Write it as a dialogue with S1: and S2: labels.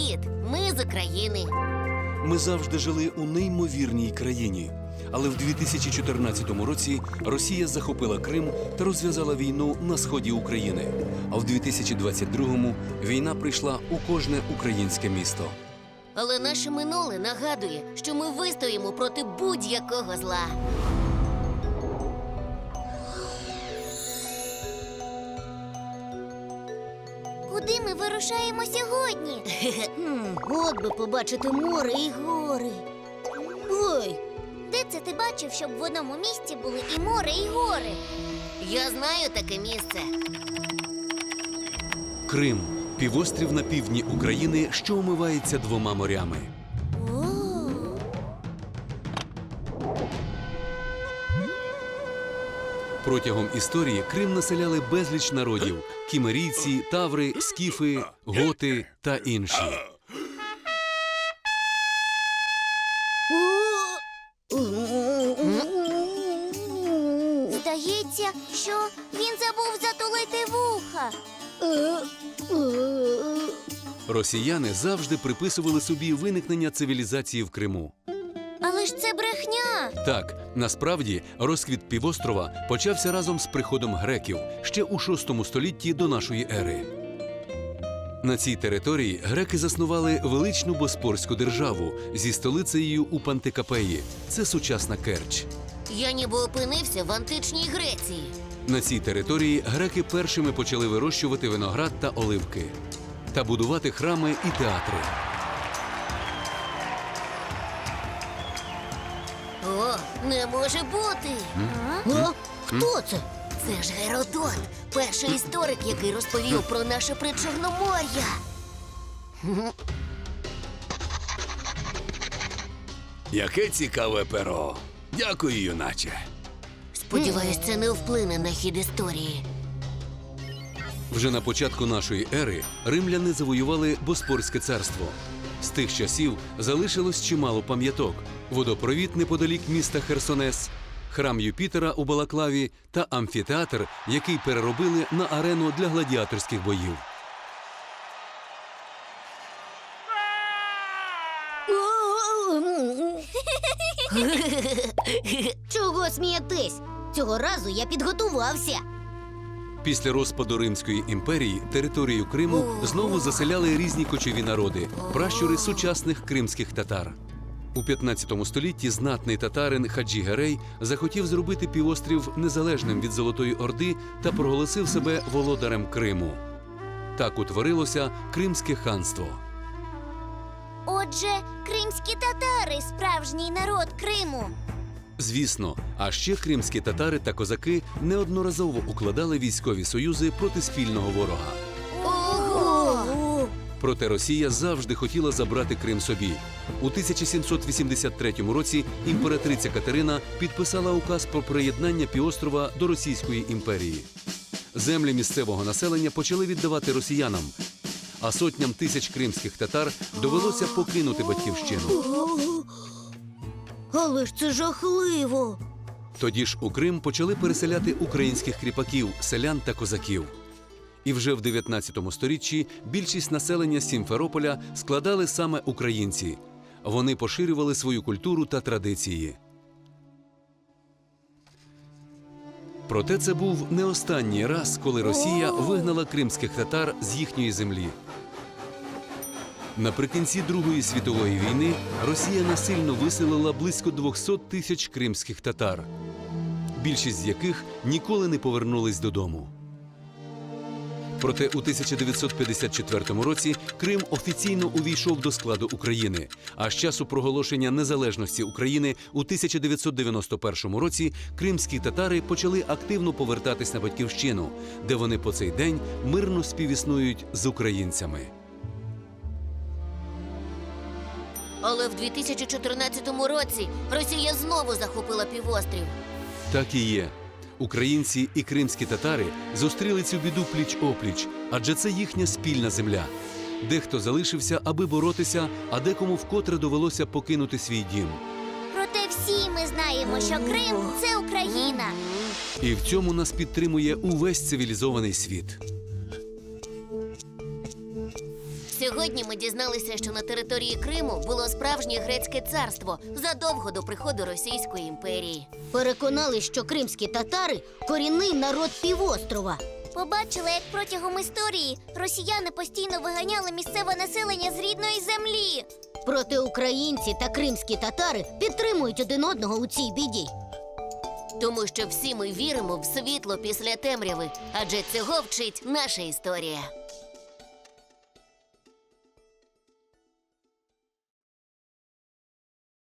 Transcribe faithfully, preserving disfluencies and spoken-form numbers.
S1: Привіт! Ми з України.
S2: Ми завжди жили у неймовірній країні. Але в дві тисячі чотирнадцятому році Росія захопила Крим та розв'язала війну на сході України. А в дві тисячі двадцять другому війна прийшла у кожне українське місто.
S1: Але наше минуле нагадує, що ми вистоїмо проти будь-якого зла.
S3: Куди ми вирушаємо сьогодні? От би побачити море і гори. Ой, де це ти бачив, щоб в одному місці були і море, і гори?
S1: Я знаю таке місце.
S2: Крим – півострів на півдні України, що омивається двома морями.
S3: О,
S2: Протягом історії Крим населяли безліч народів – кімерійці, таври, скіфи, готи та інші.
S3: здається, що він забув затулити вуха.
S2: Росіяни завжди приписували собі виникнення цивілізації в Криму.
S3: Але ж це брехня.
S2: Так, насправді, розквіт півострова почався разом з приходом греків ще у шостому столітті до нашої ери. На цій території греки заснували величну Боспорську державу зі столицею у Пантикапеї. Це сучасна Керч.
S1: Я ніби опинився в античній Греції.
S2: На цій території греки першими почали вирощувати виноград та оливки та будувати храми і театри.
S1: О, не може бути!
S3: О, хто це?
S1: Це ж Геродот, перший історик, який розповів про наше Причорномор'я.
S4: Яке цікаве перо. Дякую, юначе.
S1: Сподіваюсь, це не вплине на хід історії.
S2: Вже на початку нашої ери римляни завоювали Боспорське царство. З тих часів залишилось чимало пам'яток: водопровід неподалік міста Херсонес, храм Юпітера у Балаклаві та амфітеатр, який переробили на арену для гладіаторських боїв.
S3: Чого смієтесь? Цього разу я підготувався.
S2: Після розпаду Римської імперії територію Криму знову заселяли різні кочові народи – пращури сучасних кримських татар. У п'ятнадцятому столітті знатний татарин Хаджі Герей захотів зробити півострів незалежним від Золотої Орди та проголосив себе володарем Криму. Так утворилося Кримське ханство.
S3: Отже, кримські татари – справжній народ Криму.
S2: Звісно, а ще кримські татари та козаки неодноразово укладали військові союзи проти спільного ворога.
S3: Ого!
S2: Проте Росія завжди хотіла забрати Крим собі. У тисяча сімсот вісімдесят третьому році імператриця Катерина підписала указ про приєднання півострова до Російської імперії. Землі місцевого населення почали віддавати росіянам, а сотням тисяч кримських татар довелося покинути батьківщину.
S3: Але ж це жахливо.
S2: Тоді ж у Крим почали переселяти українських кріпаків, селян та козаків. І вже в дев'ятнадцятому сторіччі більшість населення Сімферополя складали саме українці. Вони поширювали свою культуру та традиції. Проте це був не останній раз, коли Росія вигнала кримських татар з їхньої землі. Наприкінці Другої світової війни Росія насильно виселила близько двохсот тисяч кримських татар, більшість з яких ніколи не повернулись додому. Проте у тисяча дев'ятсот п'ятдесят четвертому році Крим офіційно увійшов до складу України, а з часу проголошення незалежності України у тисяча дев'ятсот дев'яносто першому році кримські татари почали активно повертатись на батьківщину, де вони по цей день мирно співіснують з українцями.
S1: Але в дві тисячі чотирнадцятому році Росія знову захопила півострів.
S2: Так і є. Українці і кримські татари зустріли цю біду пліч-опліч, адже це їхня спільна земля. Дехто залишився, аби боротися, а декому вкотре довелося покинути свій дім.
S3: Проте всі ми знаємо, що Крим – це Україна.
S2: І в цьому нас підтримує увесь цивілізований світ.
S1: Сьогодні ми дізналися, що на території Криму було справжнє грецьке царство задовго до приходу Російської імперії.
S3: Переконали, що кримські татари – корінний народ півострова.
S5: Побачила, як протягом історії росіяни постійно виганяли місцеве населення з рідної землі.
S3: Проте українці та кримські татари підтримують один одного у цій біді.
S1: Тому що всі ми віримо в світло після темряви, адже цього вчить наша історія.